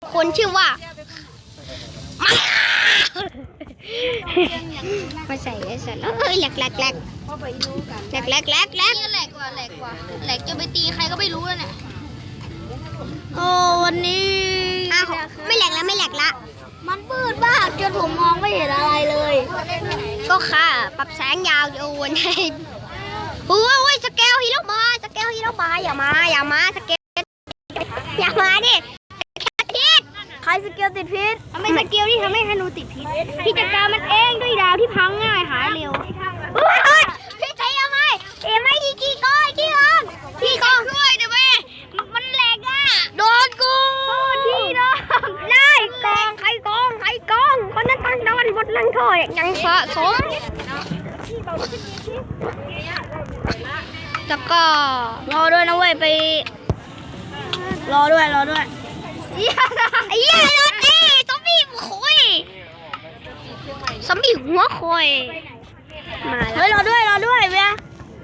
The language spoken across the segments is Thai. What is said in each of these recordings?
คนชื่อว่ามาใส่แล้วแหลกนี่แหลกกว่าแหลกจะไปตีใครก็ไม่รู้แล้วเนี่ยโอ้วันนี้ไม่แหลกละมันมืดมากจนผมมองไม่เห็นอะไรเลยก็ค่ะปรับแสงยาวโยนให้โอ้ยสเกลฮีโร่มาอย่ามาสเกลอย่ามาดิพิษใครสเกลติดพิษไม่สเกลที่ทำให้ธนูติดพิษพี่จัดการมันเองด้วยดาวที่พังง่ายหายเร็วพี่ใจยังไงไม่กี่กองด้วยเดี๋ยวมันแหลกอ่ะโดนกูที่โดนได้กองใครกองคนนั้นตั้งโดนบทลังโทษยังสะสมแล้วก็รอด้วยนะเว้ยไปรอด้วยไอ้เหี้ยโดนตีซอมบี้หัวคอยมาแล้วรอด้วยเว้ย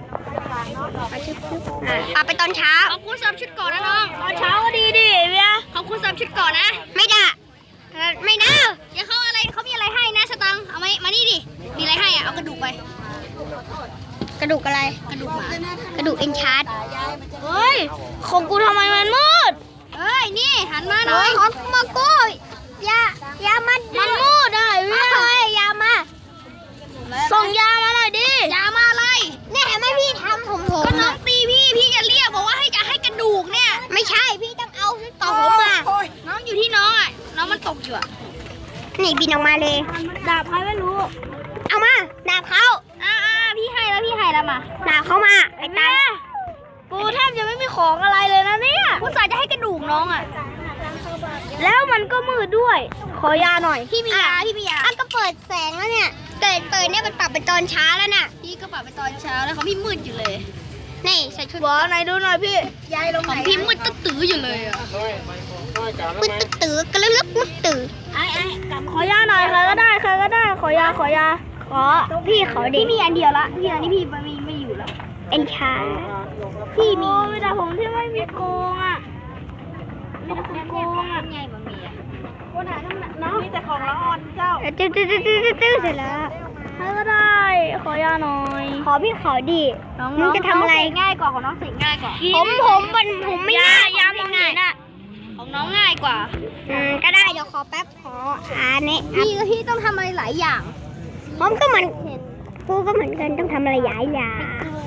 ไปตอนเช้าขอบคุณ3 ชุดก่อนนะน้องตอนเช้าก็ดีเว้ยขอบคุณ3 ชุดก่อนนะไม่ได้อย่าเขามีอะไรให้นะสตังเอามานี่ดิมีอะไรให้เอากระดูกไปกระดูกอะไรกระดูกหมากระดูกเอ็นชาร์ดเฮ้ยของกูทำไมมันมืดนี่หันมาหน่อยของมาโก้ยามันมืดได้เว้ยยามาส่งยามาหน่อยดิยามาอะไรเนี่ยไม่พี่ทำผมก็น้องตีพี่จะเรียกบอกว่าให้กระดูกเนี่ยไม่ใช่พี่ต้องเอาต่อผมมาน้องอยู่ที่น้องอ่ะน้องมันตกอยู่อ่ะนี่บินออกมาเลยดาบใครไม่รู้เอามาดาบเขาพี่ให้แล้วมาดาบเขามาไอ้ตากูแทบจะไม่มีของอะไรเลยนะเนี่ยกูสายจะให้กระดูกน้องอ่ะแล้วมันก็มืดด้วยขอยาหน่อยพี่มียาก็เปิดแสงแล้วเนี่ยเปิดเนี่ยมันปรับไปตอนเช้าแล้วน่ะพี่ก็ปรับไปตอนเช้าแล้วของพี่มืดอยู่เลยนี่ใส่ชุดบอไหนดูหน่อยพี่ยายลงไหนของพี่มืดตื้ออยู่เลยอ่ะมืดตื้อกระลึกมืดตื้อขอยาหน่อยใครก็ได้ขอยาพี่ขอเด็กพี่มีอันเดียวละพี่อันนี้พี่ไม่อยู่ละเอ็นชาพี่มีแต่ผมที่ไม่มีโกงอ่ะไงบะหมี่คนหาน้องมีแต่ของละอ่อนเจ้าตื้อเสร็จแล้วใครก็ได้ขอยาหน่อยขอพี่ขอดีมึงจะทำอะไรง่ายกว่าของน้องสิง่ายกว่าผมไม่ง่ายยาไม่ง่ายนะของน้องง่ายกว่าก็ได้เดี๋ยวขอแป๊บเนี่ยพี่ต้องทำอะไรหลายอย่างผมก็เหมือนกูก็เหมือนกันต้องทำอะไรหลายอย่าง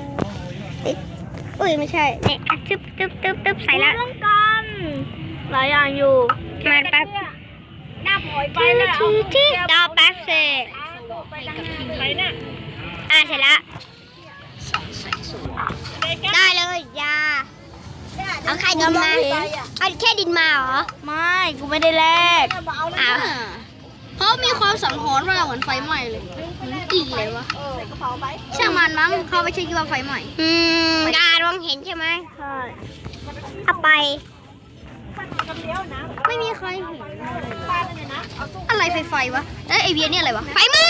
ไม่ใช่เนี่ยตึ๊บใส่ละต้องกันหลายอย่างอยู่มาแป๊บหน้าปล่อยไปแล้วดาวแป๊บเสร็จไปน่ะเสร็จละได้เลยยาเอาแค่ดินมาเอาแค่ดินมาเหรอไม่กูไม่ได้แลกเพราะมีความสังหรณ์ว่าเหมือนไฟไหม้เลยกี่เลยวะช่างมันมั้งเขาไม่ใช่คิดว่าไฟไหม้การมองเห็นใช่ไหมใช่ถ้าไปไม่มีใครเห็นอะไรไฟวะไอเวียนี่อะไรวะไฟไหม้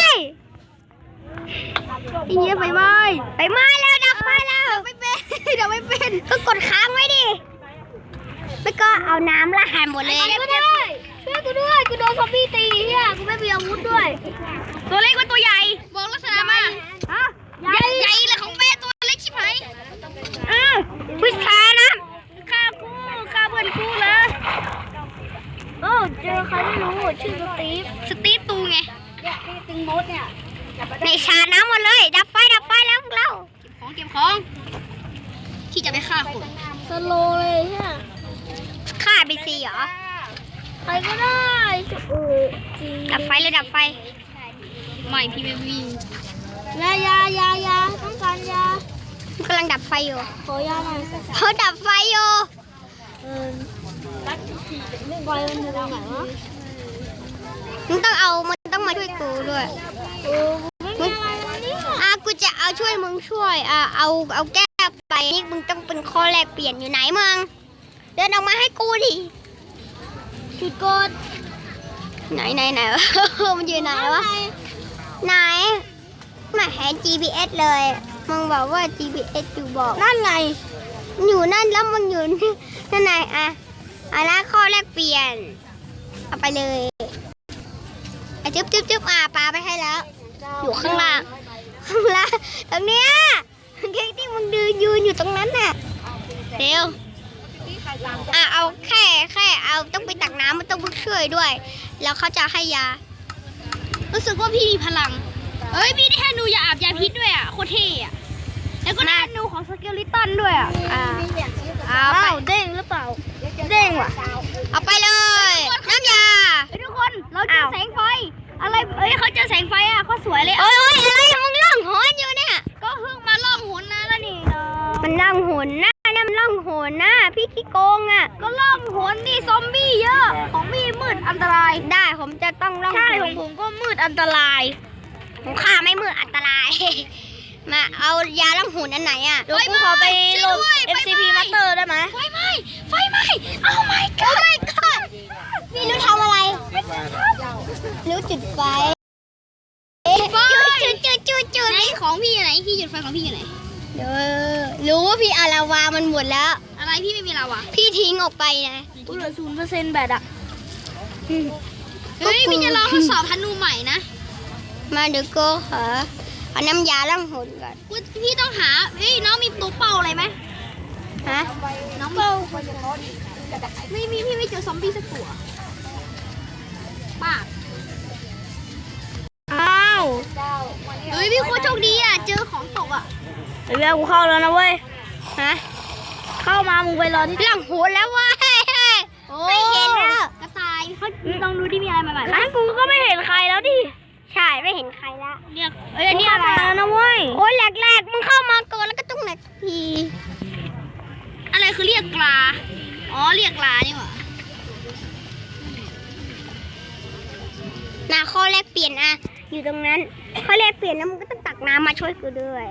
ไอเวียไฟไหม้แล้วดับไฟแล้วไม่เป็นก็กดค้างไว้ดิแล้วก็เอาน้ำราดหมดเลยช่วยกูด้วยกูโดนซอมบี้ตีเนี่ยกูไม่มีอาวุธด้วยตัวเล็กกว่าตัวใหญ่บอกลักษณะมาใหญ่เลยของแม่ตัวเล็กชิบหายวิชานะฆ่าเพื่อนกูเลยเจอใครไม่รู้ชื่อสตีฟตูไงตีตึงมดเนี่ยในชาน้ำหมดเลยดับไฟแล้วพวกเราเก็บของที่จะไปฆ่าคนสโลเลยใช่ฆ่าไปซีเหรอใครก็ได้ดับไฟไม่พี่ไม่วิ่งยาต้องการยากำลังดับไฟอยู่ขอยาหน่อยเขาดับไฟอยู่ไฟมันอยู่ตรงไหนวะมันต้องมาช่วยกูด้วยกูจะเอาช่วยมึงช่วยเอาแก้ไปนี่มึงต้องเป็นข้อแรกเปลี่ยนอยู่ไหนมึงเดินออกมาให้กูดิจุดกดไหนมันอยู่ไหนวะไหนไม่เห็น GPS เลยมึงบอกว่า GPS อยู่บอกนั่นไงอยู่นั่นแล้วมึงอยู่นั่นไหนแล้วข้อแรกเปลี่ยนเอาไปเลยอ่ะจึ๊บปลาไปให้แล้ว อยู่ข้างล่างตรงเนี้ยที่มึงยืนอยู่ตรงนั้นน่ะเร็วเอาแค่เอาต้องไปตักน้ำมันต้องพึ่งช่วยด้วย แล้วเขาจะให้ยารู้สึกว่าพี่มีพลังพี่ได้ให้หนูยาอาบยาพิษด้วยอ่ะโคตรเท่อะแล้วก็ได้หนูของสเกลิตันด้วยอ่ะเอาไปเด้งหรือเปล่าเด้งว่ะเอาไปเลยน้ำยาทุกคนเราเจอแสงไฟอะไรเขาเจอแสงไฟอ่ะเขาสวยเลยอะไรมึงล่องหนอยู่เนี่ยก็เพิ่งมาล่องหนนะแล้วนี่มันล่องหนนะนั่นล่องหนนะพี่ขี้โกงอ่ะก็ล่องหนดิซอมบี้เยอะของพี่มืดอันตรายได้ผมจะต้องล่องใช่ของผมก็มืดอันตรายผมฆ่าไม่มืดอันตรายมาเอายาล่องหนอันไหนอ่ะเดี๋ยวกูขอไปลง FCP Master ได้ไหมไฟไหม้โอ้ my god พี่รู้ทำอะไรรู้จุดไฟจุดไหนของพี่อยู่ไหนพี่จุดไฟของพี่อยู่ไหนรู้ว่าพี่เอาลาวามันหมดแล้วอะไรพี่ไม่มีลาวาพี่ทิ้งออกไปนะกูเหลือ0%แบตอ่ะพี่จะลองทดสอบธนูใหม่นะมาเดี๋ยวก็เอาน้ำยาล้างหนก่อนพี่ต้องหาน้องมีตัวเป่าอะไรไหมฮะน้องเป่าไม่มีพี่ไม่เจอซอมบี้สักตัวป้าอ้าวพี่โคตรโชคดีอ่ะเจอของตกอ่ะเดี๋ยวกูเข้าแล้วนะเว้ยฮะเข้ามามึงไปรอที่หลังหัวแล้วเว้ยไม่เห็นแล้วกระต่ายเขาลองดูที่มีอะไรมาใหม่ไหมกูก็ไม่เห็นใครแล้วดิใช่ไม่เห็นใครละเนี่ยนี่อะไรนะเว้ยโอ้ยแหลกมึงเข้ามาก่อนแล้วก็ต้องแหลกทีอะไรคือเรียกกลาเรียกกลานี่หว่าข้อแรกเปลี่ยนอะอยู่ตรงนั้นข้อแรกเปลี่ยนแล้วมึงก็ต้องตักน้ำมาช่วยกูด้วย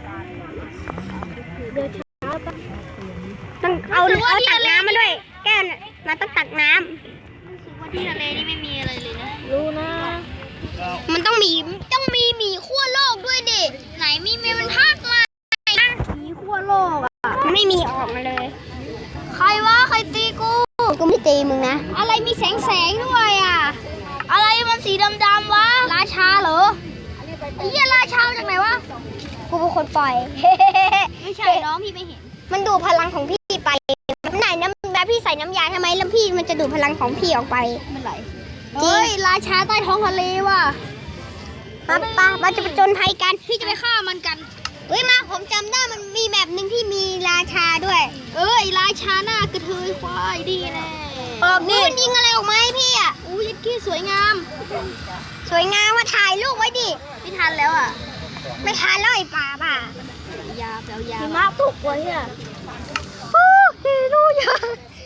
ต้องเอาตักน้ำมาด้วยแก้วมาต้องตักน้ำที่ทะเลนี่ไม่มีอะไรเลยนะรู้นะมันต้องมีหมีขั้วโลกด้วยดิไหนมีมันพากมาหมีขั้วโลกอ่ะไม่มีออกมาเลยใครวะใครตีกูไม่ตีมึงนะอะไรมีแสงด้วยอ่ะอะไรมันสีดำๆวะราชาเหรอไอ้เหี้ยราชาจากไหนวะกูเป็นคนปล่อยไม่ใช่น้องพี่ไม่เห็นมันดูดพลังของพี่ไปไหนน้ำแบบพี่ใส่น้ำยาทำไมแล้วพี่มันจะดูดพลังของพี่ออกไปมันไหลราชาใต้ท้องทะเลว่ะมาจะไปจนภัยกันพี่จะไปฆ่ามันกันมาผมจำได้มันมีแบบหนึ่งที่มีราชาด้วยราชาหน้ากระเทยควายดีแน่นี่มันยิงอะไรออกมาให้พี่อ่ะยัดขี้สวยงามมาถ่ายรูปไว้ดิไม่ทันแล้วอ่ะไม่ทันแล้วไอ้ป่ายาหิมะตกไว้อ่ะฮีโร่ยา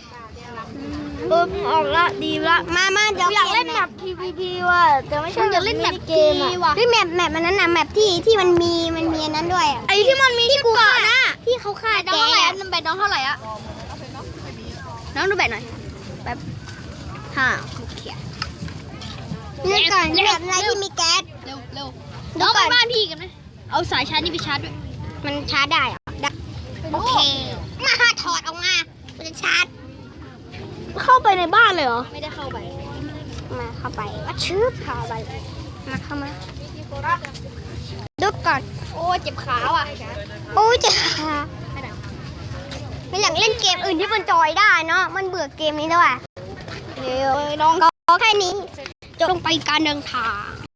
ออกละดีละมาเดี๋ยวอยากเล่นแบบ PVP ว่ะแต่ไม่ใช่อยากเล่นแบบเกมว่ะแมปมันนั้นนะแมปที่มันมีอันนั้นด้วยไอ้ที่มันมีที่เกาะนะที่เขาฆ่าแกน้ำแบตน้องเท่าไหร่อะน้องดูแบตหน่อยแบบโอเคนี่ก่อนแบบอะไรที่มีแก๊สเร็วน้องไปบ้านพี่กันไหมเอาสายชาร์จนี่ไปชาร์จด้วยมันชาร์จได้โอเคมาถอดออกมามันจะชาร์จเข้าไปในบ้านเลยเหรอไม่ได้เข้าไปมาเข้าไปเข้าไปเข้ามาดูก่อนโอ้เจ็บขาว่ะโอ้เจ็บขาไม่อยากเล่นเกมอื่นที่มันจอยได้เนาะมันเบื่อเกมนี้แล้วอ่ะเดี๋ยวน้องก็แค่นี้จบลงไปการเดินทาง